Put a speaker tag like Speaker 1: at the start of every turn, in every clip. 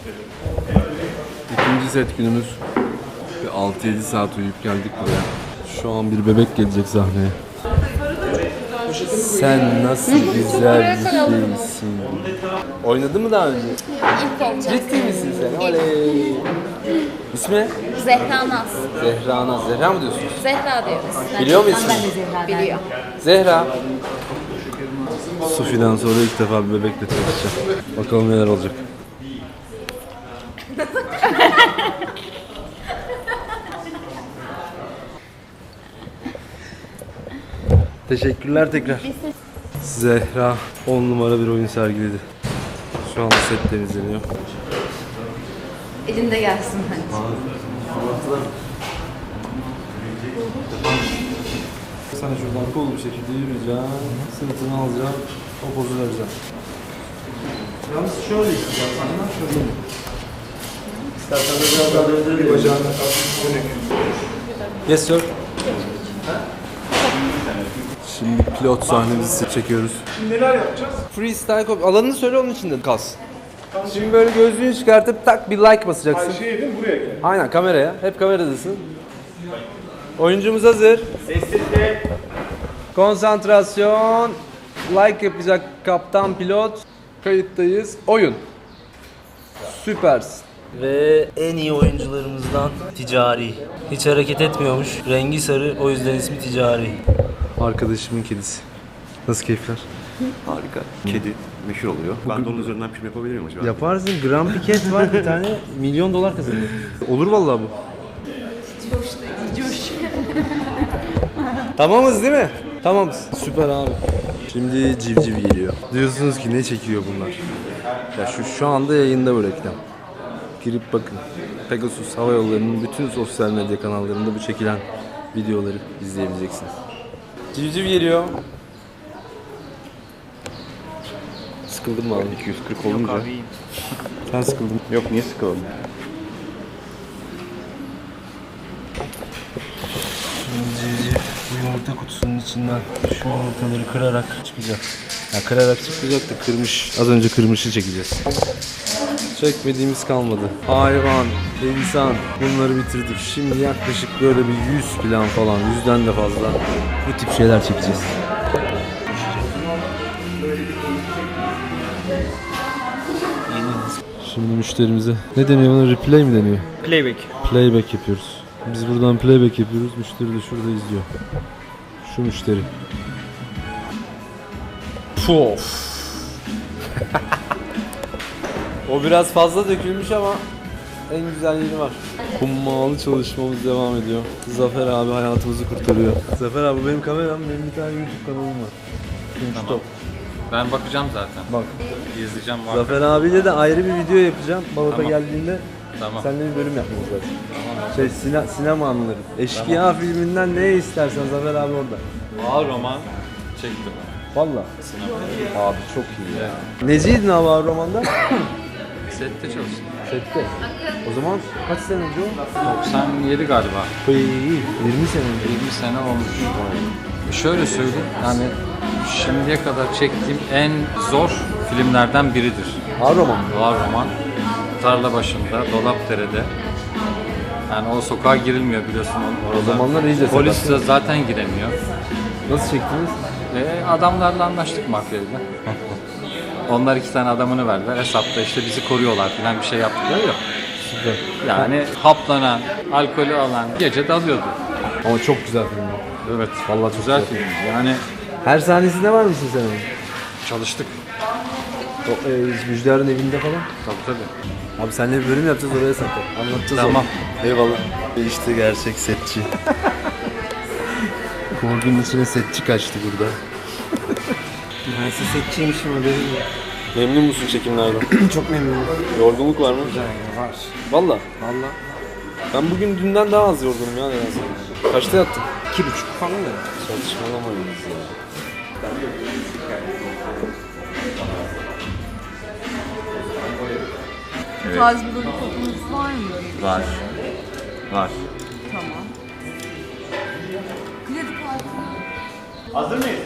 Speaker 1: İkinci set günümüz. 6-7 saat uyuyup geldik buraya. Şu an bir bebek gelecek sahneye. Sen nasıl güzel bir şeysin. Oynadın mı daha önce?
Speaker 2: İlk olacak.
Speaker 1: Ciddi misin sen? Oley. İsmi ne?
Speaker 2: Zehra Naz.
Speaker 1: Zehra Naz. Zehra mı diyorsunuz?
Speaker 2: Zehra diyoruz.
Speaker 1: Biliyor musun?
Speaker 2: Biliyor.
Speaker 1: Zehra. Sufi'den sonra ilk defa bir bebekle çalışacağım. Bakalım neler olacak. Teşekkürler tekrar. Zehra 10 numara bir oyun sergiledi. Şu anda set temizleniyor.
Speaker 2: Elinde gelsin hadi.
Speaker 1: Sen şuradan kol bir şekilde yürüyeceksin, sırtını alacaksın, o pozu vereceksin. Yalnız şöyle istiyorsan, şöyle. İstersen de biraz daha döndür bir bacağını dönük. Yes sir. Şimdi pilot sahnemizi çekiyoruz.
Speaker 3: Şimdi neler yapacağız?
Speaker 1: Freestyle copy. Alanını söyle, onun içinde kas. Şimdi böyle gözlüğünü çıkartıp tak bir like basacaksın.
Speaker 3: Şey değil, buraya gel.
Speaker 1: Aynen, kameraya. Hep kameradasın. Oyuncumuz hazır.
Speaker 3: Sessizlik.
Speaker 1: Konsantrasyon. Like yapacak kaptan pilot. Kayıttayız. Oyun. Süpersin.
Speaker 4: Ve en iyi oyuncularımızdan Ticari. Hiç hareket etmiyormuş. Rengi sarı, o yüzden ismi Ticari.
Speaker 1: Arkadaşımın kedisi. Nasıl keyifler?
Speaker 5: Harika. Kedi meşhur oluyor. Ben de onun üzerinden film yapabilir miyim acaba?
Speaker 1: Yaparsın. Grand Piket var bir tane. $1 milyon kazanıyor. Olur vallahi bu. Tamamız değil mi? Tamamız. Süper abi. Şimdi civciv geliyor. Diyorsunuz ki ne çekiyor bunlar? Ya şu anda yayında bu reklam. Girip bakın. Pegasus Hava Yolları'nın bütün sosyal medya kanallarında bu çekilen videoları izleyebileceksiniz. Civciv geliyor. Sıkıldın mı abi?
Speaker 5: 240 olunca.
Speaker 1: Sen sıkıldın.
Speaker 5: Yok, niye sıkılalım?
Speaker 1: Civciv bu yumurta kutusunun içinden şu yumurtaları kırarak çıkacak. Ya kırarak çıkacak da kırmış. Az önce kırmışı çekeceğiz. Çekmediğimiz kalmadı. Hayvan, insan bunları bitirdik. Şimdi yaklaşık böyle bir 100 plan falan, 100'den de fazla bu tip şeyler çekeceğiz. Şimdi müşterimize ne deniyor buna? Replay mi deniyor?
Speaker 4: Playback.
Speaker 1: Playback yapıyoruz. Biz buradan playback yapıyoruz. Müşteri de şurada izliyor. Şu müşteri. Pof. O biraz fazla dökülmüş ama en güzel yeri var. Hummalı çalışmamız devam ediyor. Zafer abi hayatımızı kurtarıyor. Zafer abi benim kameram, benim bir tane YouTube kanalım var. Tamam.
Speaker 6: Ben bakacağım zaten.
Speaker 1: Bak.
Speaker 6: İzleyeceğim var.
Speaker 1: Zafer abiyle de ayrı bir video yapacağım. Balat'a
Speaker 6: Tamam.
Speaker 1: geldiğinde
Speaker 6: Tamam.
Speaker 1: seninle bir bölüm yapmamız lazım. Sinema anıları. Eşkıya filminden ne istersen Zafer abi orada.
Speaker 6: Ağır roman çektim.
Speaker 1: Valla. Abi çok iyi ya. Neciydin abi abi romanda?
Speaker 6: Sette çalıştım.
Speaker 1: Sette. O zaman kaç sene önce o?
Speaker 6: 97 galiba.
Speaker 1: 20 sene önce.
Speaker 6: 20 sene olmuş. Şöyle söyleyeyim, yani şimdiye kadar çektiğim en zor filmlerden biridir.
Speaker 1: Ağır roman mı?
Speaker 6: Ağır roman. Tarla başında, Dolapdere'de. Yani o sokağa girilmiyor biliyorsun orada.
Speaker 1: O zamanlar iyice
Speaker 6: Polis
Speaker 1: sakat.
Speaker 6: de zaten giremiyor.
Speaker 1: Nasıl çektiniz?
Speaker 6: Adamlarla anlaştık mafyayla. Onlar 2 tane adamını verdiler. Hesapta işte bizi koruyorlar falan, bir şey yaptıkları yok.
Speaker 1: Süper.
Speaker 6: Yani haplanan, alkolü alan gece dalıyordu.
Speaker 1: Ama çok güzel film.
Speaker 6: Evet.
Speaker 1: Vallahi çok
Speaker 6: Güzel
Speaker 1: güzel.
Speaker 6: film. Yani
Speaker 1: Her sahnesinde var mısın sen onun?
Speaker 6: çalıştık.
Speaker 1: O, Müjdar'ın evinde falan.
Speaker 6: Tabii.
Speaker 1: Abi seninle bir bölüm yapacağız, oraya sakla. Anlatacağız
Speaker 6: Tamam.
Speaker 1: onu. Eyvallah. İşte gerçek setçi. Korkunun içine setçi kaçtı burada.
Speaker 4: Ben size setçiymişim haberim yok.
Speaker 1: Memnun musun çekimlerden?
Speaker 4: Çok memnunum.
Speaker 1: Yorgunluk var mı?
Speaker 4: Var.
Speaker 1: Valla.
Speaker 4: Valla.
Speaker 1: Ben bugün dünden daha az yorgunum ya nedense. Kaçta yattın?
Speaker 4: 2,5 falan da.
Speaker 1: Saçmalamayız ya.
Speaker 2: Tarz bir dedikodunuz var mı?
Speaker 5: Var. Var.
Speaker 2: Tamam. Kredi kartı.
Speaker 3: Hazır mıyız?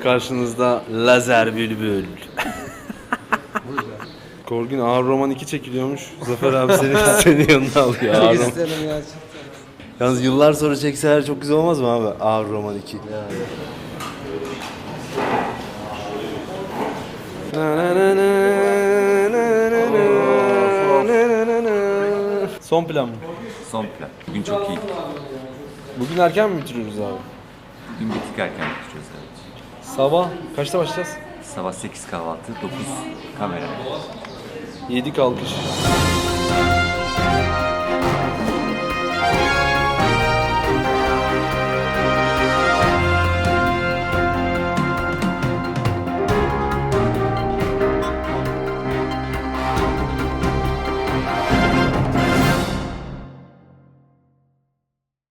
Speaker 1: karşınızda Lazer Bülbül. Korgün Ağır Roman 2 çekiliyormuş. Zafer abi senin yanına alıyor. Ağır Roman. Yalnız yıllar sonra çekseler çok güzel olmaz mı abi? Ağır Roman 2. Son plan mı?
Speaker 7: Son plan. Bugün çok iyi.
Speaker 1: Bugün erken mi bitiriyoruz abi?
Speaker 7: Bugün bir tık erken bitiriyoruz evet.
Speaker 1: Sabah kaçta başlayacağız?
Speaker 7: Sabah 8 kahvaltı, 9 kamera.
Speaker 1: 7 kalkış.